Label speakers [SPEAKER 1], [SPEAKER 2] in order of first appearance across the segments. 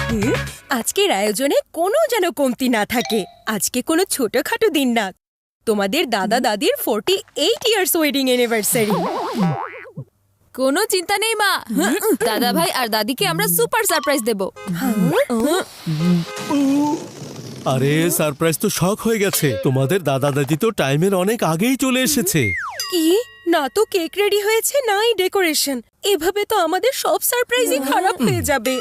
[SPEAKER 1] আজকের আয়োজনে কোনো যেন কমতি না থাকে। আজকে কোনো ছোটখাটো দিন না, তোমাদের দাদা দাদির 48 ইয়ার্স ওয়েডিং অ্যানিভার্সারি।
[SPEAKER 2] কোনো চিন্তা নেই মা, দাদা ভাই আর দাদিকে আমরা সুপার সারপ্রাইজ দেব।
[SPEAKER 3] আরে সারপ্রাইজ তো শক হয়ে গেছে। তোমাদের দাদা দাদি তো টাইমের অনেক আগেই চলে এসেছে।
[SPEAKER 1] কি না তো কেক রেডি হয়েছে নাই ডেকোরেশন। এভাবে তো আমাদের সব সারপ্রাইজই খারাপ হয়ে যাবে।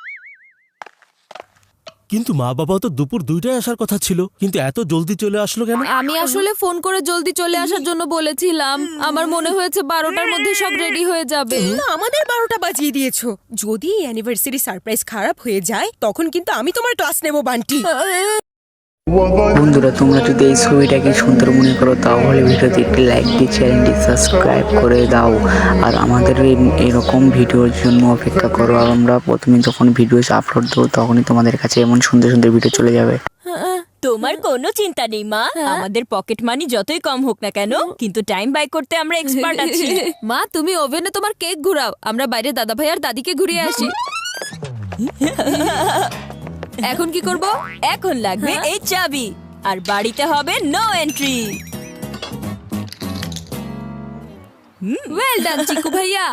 [SPEAKER 3] কিন্তু মা বাবা তো দুপুর 2টায় আসার কথা ছিল, কিন্তু এত জলদি চলে আসলো কেন?
[SPEAKER 2] আমি আসলে ফোন করে জলদি চলে আসার জন্য বলেছিলাম। আমার মনে হয়েছে 12টার মধ্যে সব রেডি হয়ে যাবে।
[SPEAKER 1] না, আমাদের 12টা বাজিয়ে দিয়েছো। যদি এই অ্যানিভার্সারি সারপ্রাইজ খারাপ হয়ে যায় তখন কিন্তু আমি তোমার ক্লাস নেব বান্টি।
[SPEAKER 4] বন্ধুরা, তোমরা যদি এই ছবিটাকে সুন্দর মনে করো তাহলে ভিডিওতে একটি লাইক দিয়ে চ্যানেলটি সাবস্ক্রাইব করে দাও। আর আমাদের এরকম ভিডিওর জন্য অপেক্ষা করো। আর আমরা প্রথমে যখন ভিডিও আপলোড দেবো তখনই তোমাদের কাছে এমন সুন্দর সুন্দর ভিডিও চলে যাবে।
[SPEAKER 5] তোমার কোনো চিন্তা নেই মা, আমাদের পকেট মানি যতই কম হোক না কেন, কিন্তু টাইম বাই করতে আমরা এক্সপার্ট আছি।
[SPEAKER 2] মা, তুমি ওভেনে তোমার কেক ঘুরাও, আমরা বাইরে দাদা ভাই আর দাদিকে ঘুরিয়ে আসি। এখন কি করব?
[SPEAKER 5] এখন লাগবে এই চাবি, আর বাড়িতে হবে no entry.
[SPEAKER 2] Well done Chiku ভাইয়া।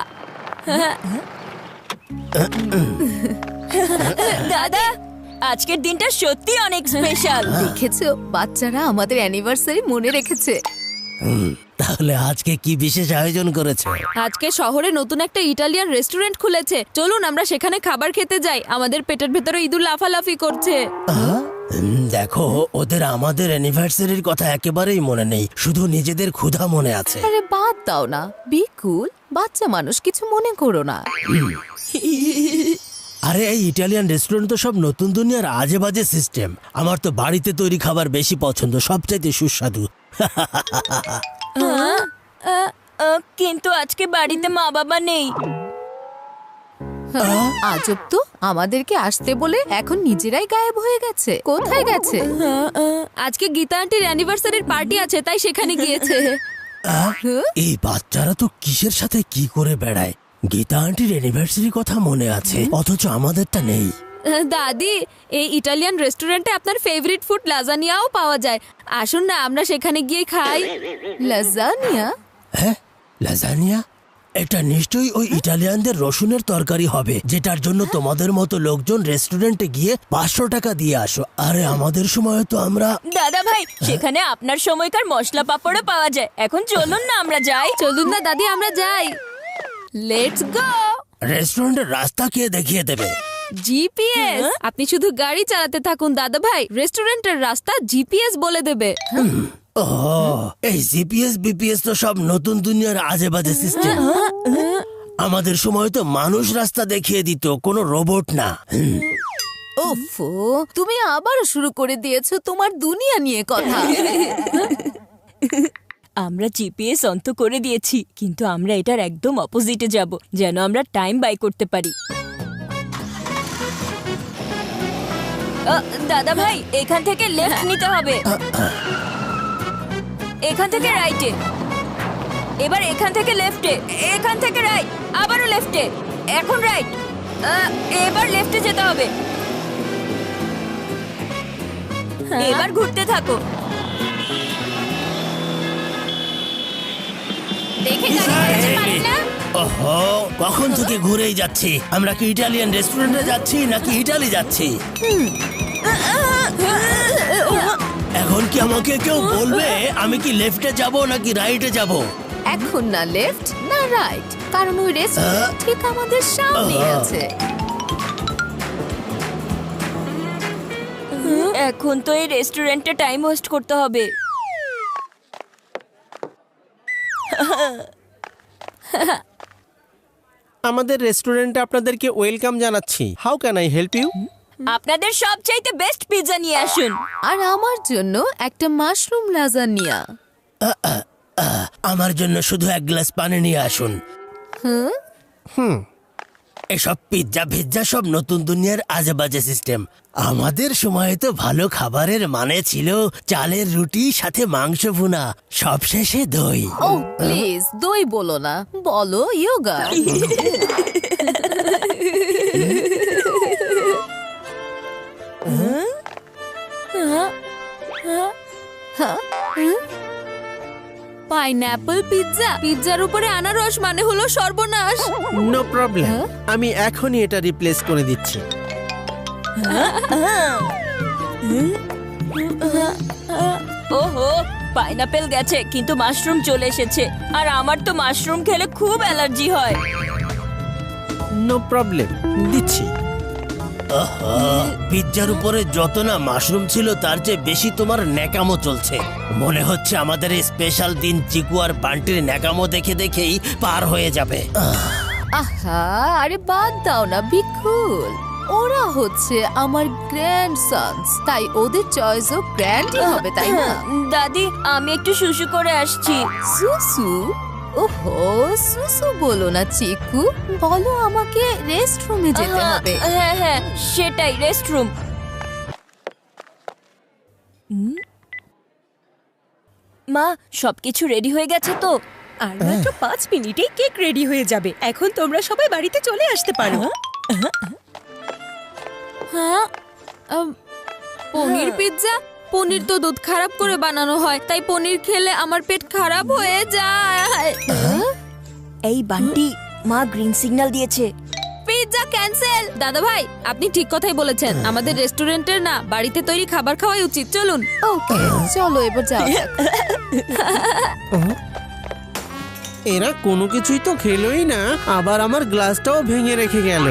[SPEAKER 5] দাদা, আজকের দিনটা সত্যি অনেক স্পেশাল।
[SPEAKER 2] দেখেছো, বাচ্চারা আমাদের অ্যানিভার্সারি মনে রেখেছে।
[SPEAKER 6] তাহলে আজকে কি বিশেষ আয়োজন করেছে?
[SPEAKER 2] আজকে শহরে নতুন একটা ইটালিয়ান রেস্টুরেন্ট খুলেছে, চলুন আমরা সেখানে খাবার খেতে যাই। আমাদের পেটের ভেতরে ইঁদুর লাফালাফি করছে।
[SPEAKER 6] দেখো, ওদের আমাদের অ্যানিভার্সারির কথা একেবারেই মনে নেই, শুধু নিজেদের ক্ষুধা মনে আছে।
[SPEAKER 2] আরে বাদ দাও না, বি কুল, বাচ্চা মানুষ, কিছু মনে করো না।
[SPEAKER 6] আরে এই ইটালিয়ান রেস্টুরেন্ট তো সব নতুন দুনিয়ার আজে বাজে সিস্টেম। আমার তো বাড়িতে তৈরি খাবার বেশি পছন্দ, সবচাইতে সুস্বাদু।
[SPEAKER 5] কিন্তু আজকে বাড়িতে মা বাবা নেই।
[SPEAKER 2] আজব তো, আমাদেরকে আসতে বলে এখন নিজেরাই গায়েব হয়ে গেছে। কোথায় গেছে? আজকে গীতা আন্টির অ্যানিভার্সারির পার্টি আছে, তাই সেখানে গিয়েছে।
[SPEAKER 6] এই বাচ্চারা তো কিসের সাথে কি করে বেড়ায়। গীতা আন্টির অ্যানিভার্সারির কথা মনে আছে, অথচ আমাদেরটা নেই।
[SPEAKER 2] দাদি, এই ইটালিয়ান রেস্টুরেন্টে আপনার ফেভারিট ফুড লাজানিয়াও পাওয়া যায়। আসুন না, আমরা সেখানে গিয়ে খাই। লাজানিয়া?
[SPEAKER 6] হ্যাঁ, লাজানিয়া? এটা নিশ্চয়ই ওই ইটালিয়ানদের রসুনের তরকারি হবে, যেটার জন্য তোমাদের মতো লোকজন রেস্টুরেন্টে গিয়ে 500 টাকা দিয়ে আসো। আরে আমাদের সময় তো আমরা...
[SPEAKER 5] দাদা ভাই, সেখানে আপনার সময়কার মশলা পাপড়ও পাওয়া যায়। এখন চলুন না আমরা যাই।
[SPEAKER 2] চলুন না দাদি, আমরা যাই। Let's go.
[SPEAKER 6] রেস্টুরেন্টের রাস্তা কে দেখিয়ে দেবে?
[SPEAKER 2] জিপিএস। আপনি শুধু গাড়ি চালাতে থাকুন দাদা ভাই, রেস্টুরেন্টের রাস্তা জিপিএস বলে দেবে।
[SPEAKER 6] ও, এই জিপিএস বিপিএস তো সব নতুন দুনিয়ার আজে বাজে সিস্টেম। আমাদের সময় তো মানুষ রাস্তা দেখিয়ে দিত, কোনো রোবট না।
[SPEAKER 2] ওফো, তুমি আবারও শুরু করে দিয়েছো তোমার দুনিয়া নিয়ে কথা।
[SPEAKER 5] আমরা জিপিএস অন্ত করে দিয়েছি, কিন্তু আমরা এটার একদম অপোজিটে যাব, যেন আমরা টাইম বাই করতে পারি। দাদা ভাই, এখান থেকে লেফট নিতে হবে, এখান থেকে রাইটে, এবার এখান থেকে লেফটে, এখান থেকে রাইট, আবারও লেফটে, এখন রাইট, এবার লেফটে যেতে হবে। এবার ঘুরতে থাকো। দেখে পারি না।
[SPEAKER 6] ওহো, কখন থেকে ঘুরেই যাচ্ছি। আমরা কি ইটালিয়ান রেস্টুরেন্টে যাচ্ছি নাকি ইটালি যাচ্ছি? এখন কি আমাকে কেউ বলবে আমি কি লেফটে যাব নাকি রাইটে যাব?
[SPEAKER 2] এখন না লেফট না রাইট, কারণ ওই রেস্টুরেন্ট ঠিক আমাদের সামনে আছে।
[SPEAKER 5] এখন তো এই রেস্টুরেন্টে টাইম ওয়েস্ট করতে হবে।
[SPEAKER 3] আমাদের রেস্টুরেন্টে আপনাদেরকে ওয়েলকাম জানাচ্ছি। How can I help you?
[SPEAKER 5] আপনাদের সবচাইতে বেস্ট পিৎজা নিয়ে আসুন।
[SPEAKER 2] আর আমার জন্য একটা মাশরুম লাজানিয়া।
[SPEAKER 6] আমার জন্য শুধু 1 গ্লাস পানি নিয়ে আসুন। এসব পিৎজা ভিজ্জা সব নতুন দুনিয়ার আজে বাজে সিস্টেম। আমাদের সময়ে তো ভালো খাবারের মানে ছিল চালের রুটি সাথে মাংস ভুনা, সবশেষে দই।
[SPEAKER 2] ও প্লিজ, দই বলো না, বলো ইয়োগা। পাইনঅ্যাপল পিৎজা, পিৎজার উপরে আনারস মানে হলো সর্বনাশ।
[SPEAKER 7] নো প্রবলেম, আমি এখনই এটা রিপ্লেস করে দিচ্ছি।
[SPEAKER 5] ওহো, পাইনাপেল গেছে কিন্তু মাশরুম চলে এসেছে, আর আমার তো মাশরুম খেলে খুব অ্যালার্জি হয়।
[SPEAKER 7] নো প্রবলেম, দিচ্ছি।
[SPEAKER 6] পিৎজার উপরে যত না মাশরুম ছিল তার চেয়ে বেশি তোমার ন্যাকামো চলছে। মনে হচ্ছে আমাদের এই স্পেশাল দিন চিকু আর বান্টির ন্যাকামো দেখে দেখেই পার হয়ে যাবে।
[SPEAKER 2] আহা, আরে বাদ দাও না বিকুল, ওরা হচ্ছে আমার গ্র্যান্ডসন্স, তাই ওদের চয়েসও গ্র্যান্ডই হবে, তাই না?
[SPEAKER 5] দাদি, আমি একটু শুশু করে আসছি।
[SPEAKER 2] সুসু? ওহো, সুসু বলো না চিকু, বলো আমাকে রেস্টরুমে যেতে হবে।
[SPEAKER 5] হ্যাঁ হ্যাঁ, সেটাই, রেস্টরুম। মা, সবকিছু রেডি হয়ে গেছে তো?
[SPEAKER 1] আর মাত্র 5 মিনিটেই কেক রেডি হয়ে যাবে। এখন তোমরা সবাই বাড়িতে চলে আসতে পারো।
[SPEAKER 2] হ্যাঁ, পনির পিৎজা? পনির তো দুধ খারাপ করে বানানো হয়, তাই পনির খেলে আমার পেট খারাপ হয়ে যায়।
[SPEAKER 5] এই বান্টি, মা গ্রিন সিগন্যাল দিয়েছে।
[SPEAKER 2] Pizza cancel. দাদা ভাই, আপনি ঠিক কথাই বলেছেন, আমাদের রেস্টুরেন্টের না, বাড়িতে তৈরি খাবার খাওয়াই উচিত। চলুন। ওকে, চলো এবার যাও।
[SPEAKER 7] এরা কোনো কিছুই তো খেলোই না, আবার আমার গ্লাসটাও ভেঙে রেখে গেল।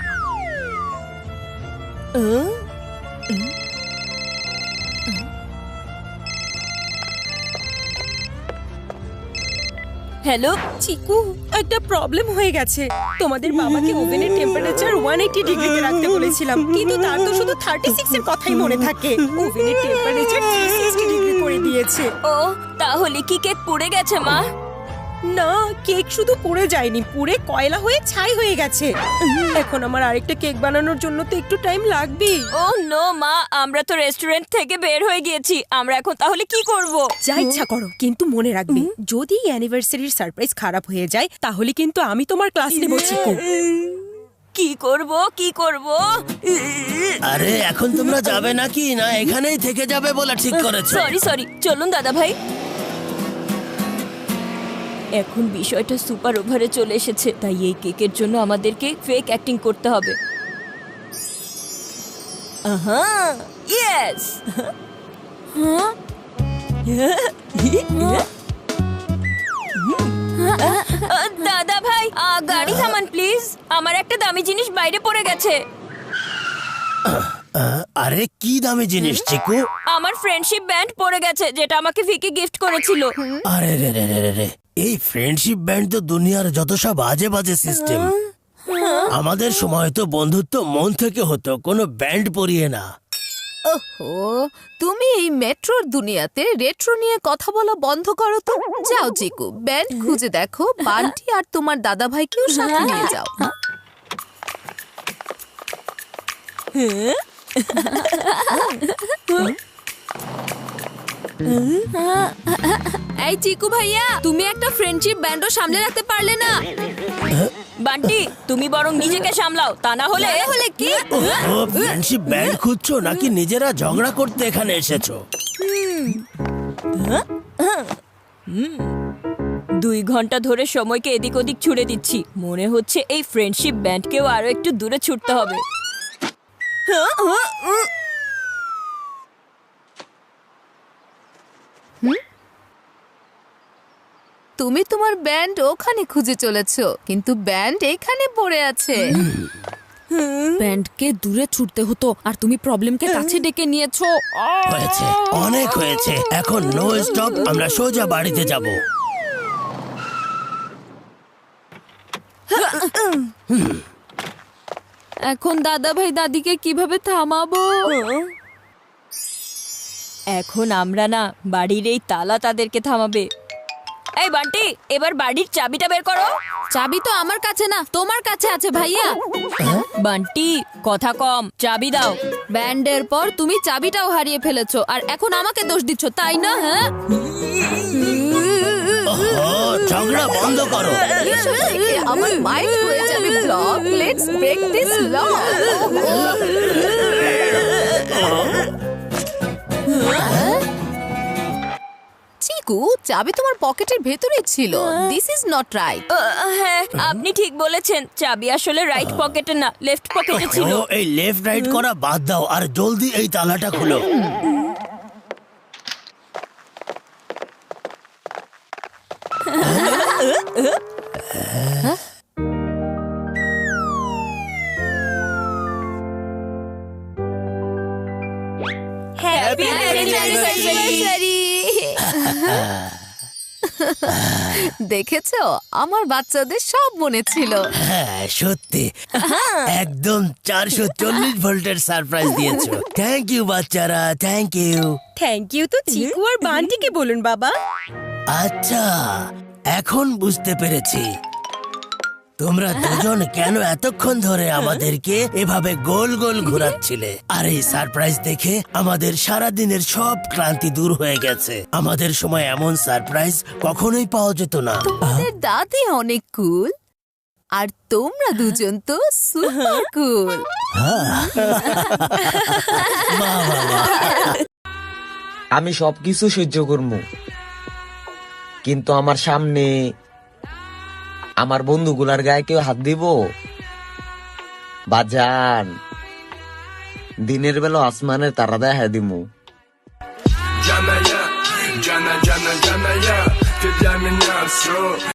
[SPEAKER 5] হ্যালো
[SPEAKER 1] চিকু, একটা প্রবলেম হয়ে গেছে। তোমাদের বাবাকে ওভেনের টেম্পারেচার 180 ডিগ্রিতে রাখতে বলেছিলাম, কিন্তু তার তো শুধু 36 এর কথাই মনে থাকে। ওভেনের টেম্পারেচার 360 ডিগ্রি করে দিয়েছে।
[SPEAKER 5] ও, তাহলে কি কেক পুড়ে গেছে মা?
[SPEAKER 1] না, কেক শুধু পুড়ে যায়নি, পুড়ে কয়লা হয়ে ছাই হয়ে গেছে। এখন আমার আরেকটা কেক বানানোর জন্য তো একটু টাইম লাগবেই।
[SPEAKER 5] ও নো মা, আমরা তো রেস্টুরেন্ট থেকে বের হয়ে গিয়েছি, আমরা এখন তাহলে কি করব?
[SPEAKER 1] যা ইচ্ছা করো, কিন্তু মনে রাখবে যদি অ্যানিভার্সারির সারপ্রাইজ খারাপ হয়ে যায় তাহলে কিন্তু আমি তোমার ক্লাস নেব চিকু।
[SPEAKER 5] কি করব, কি করব?
[SPEAKER 6] আরে এখন তোমরা যাবে নাকি না এখানেই থেকে যাবে বলে ঠিক করেছো?
[SPEAKER 5] সরি সরি, চলুন দাদা ভাই। এখন বিষয়টা সুপার ওভারে চলে এসেছে, তাই এই কেকের জন্য আমাদেরকে ফেক অ্যাক্টিং করতে হবে। আহা, ইয়েস। দাদা ভাই, গাড়ি থামান প্লিজ, আমার একটা দামি জিনিস বাইরে পড়ে গেছে।
[SPEAKER 6] আরে কি দামি জিনিস চিকু?
[SPEAKER 5] আমার ফ্রেন্ডশিপ ব্যান্ড পড়ে গেছে, যেটা আমাকে ফিকে গিফট করেছিল।
[SPEAKER 6] আরে রে রে রে রে রে, এই ফ্রেন্ডশিপ ব্যান্ড তো দুনিয়ার যত সব বাজে বাজে সিস্টেম। আমাদের সময় তো বন্ধুত্ব মন থেকে হতো, কোনো ব্যান্ড পরিয়ে না।
[SPEAKER 2] ওহো, তুমি এই মেট্রোর দুনিয়াতে রেট্রো নিয়ে কথা বলা বন্ধ করো তো। যাও চিকু, ব্যান্ড খুঁজে দেখো, বান্টি আর তোমার দাদা ভাইকেও সাথে নিয়ে যাও। এই চিকু ভাইয়া, তুমি একটা ফ্রেন্ডশিপ ব্যান্ডও সামলে রাখতে পারলে না।
[SPEAKER 5] বান্টি, তুমি বরং নিজেকে সামলাও, তা না হলে
[SPEAKER 2] কি?
[SPEAKER 6] ও ফ্রেন্ডশিপ ব্যান্ড খুঁজছো নাকি নিজেরা ঝগড়া করতে এখানে এসেছো?
[SPEAKER 5] 2 ঘন্টা ধরে সময়কে এদিক ওদিক ছুড়ে দিচ্ছি, মনে হচ্ছে এই ফ্রেন্ডশিপ ব্যান্ডকেও আরো একটু দূরে ছুটতে হবে।
[SPEAKER 2] তুমি তোমার ব্যান্ড ওখানে খুঁজে চলেছো, কিন্তু ব্যান্ড এখানে পড়ে আছে। ব্যান্ডকে দূরে ছুটতে হতো, আর তুমি প্রবলেমকে কাছে ডেকে নিয়েছো।
[SPEAKER 6] হয়েছে, অনেক হয়েছে, এখন নো স্টপ, আমরা সোজা বাড়িতে যাব।
[SPEAKER 2] এখন দাদা ভাই দাদিকে কিভাবে থামাবো?
[SPEAKER 5] এখন আমরা না, বাড়ির এই তালা তাদেরকে থামাবে। এই বান্টি, এবার বাড়ির চাবিটা বের করো।
[SPEAKER 2] চাবি তো আমার কাছে না, তোমার কাছে আছে ভাইয়া।
[SPEAKER 5] বান্টি, কথা কম, চাবি দাও।
[SPEAKER 2] ব্যান্ডের পর তুমি চাবিটাও হারিয়ে ফেলেছো, আর এখন আমাকে দোষ দিচ্ছ, তাই না? হ্যাঁ,
[SPEAKER 6] ঝগড়া বন্ধ করো।
[SPEAKER 2] আমার মাইন্ড হয়ে যাবে block. Let's break this lock. Chiku, Chiku, চাবি তোমার পকেটের ভেতরেই ছিল। This is not right.
[SPEAKER 5] হ্যাঁ, আপনি ঠিক বলেছেন, চাবি আসলে রাইট পকেটে না, লেফট পকেটে ছিল।
[SPEAKER 6] ও এই লেফট রাইট করা বাদ দাও আর জলদি এই তালাটা খুলো।
[SPEAKER 1] হ্যাপি
[SPEAKER 2] দেখেছো, আমার বাচ্চাদের সব মনে ছিল।
[SPEAKER 6] হ্যাঁ সত্যি, একদম 440 ভোল্টের সারপ্রাইজ দিয়েছো। থ্যাংক ইউ বাচ্চারা, থ্যাংক ইউ।
[SPEAKER 1] থ্যাংক ইউ তো চিকু আর বান্টিকে বলুন বাবা।
[SPEAKER 6] আচ্ছা, এখন বুঝতে পেরেছি তোমরা দুজন কেন এতক্ষণ ধরে আমাদেরকে এভাবে গোল গোল ঘোরাচ্ছিলে। আর এই সারপ্রাইজ দেখে আমাদের সারা দিনের সব ক্লান্তি দূর হয়ে গেছে। আমাদের সময় এমন সারপ্রাইজ কখনোই পাওয়া যেত না।
[SPEAKER 2] তোমাদের দাদি অনেক কুল, আর তোমরা দুজন তো সুপার কুল।
[SPEAKER 8] আমি সবকিছু সহ্য করবো, কিন্তু আমার সামনে আমার বন্ধুগুলার গায়ে কেউ হাত দিব? বাজান, দিনের বেলা আসমানের তারা দেখা দিমু।
[SPEAKER 9] Jana ya, jana jana jana ya, te llamen ya,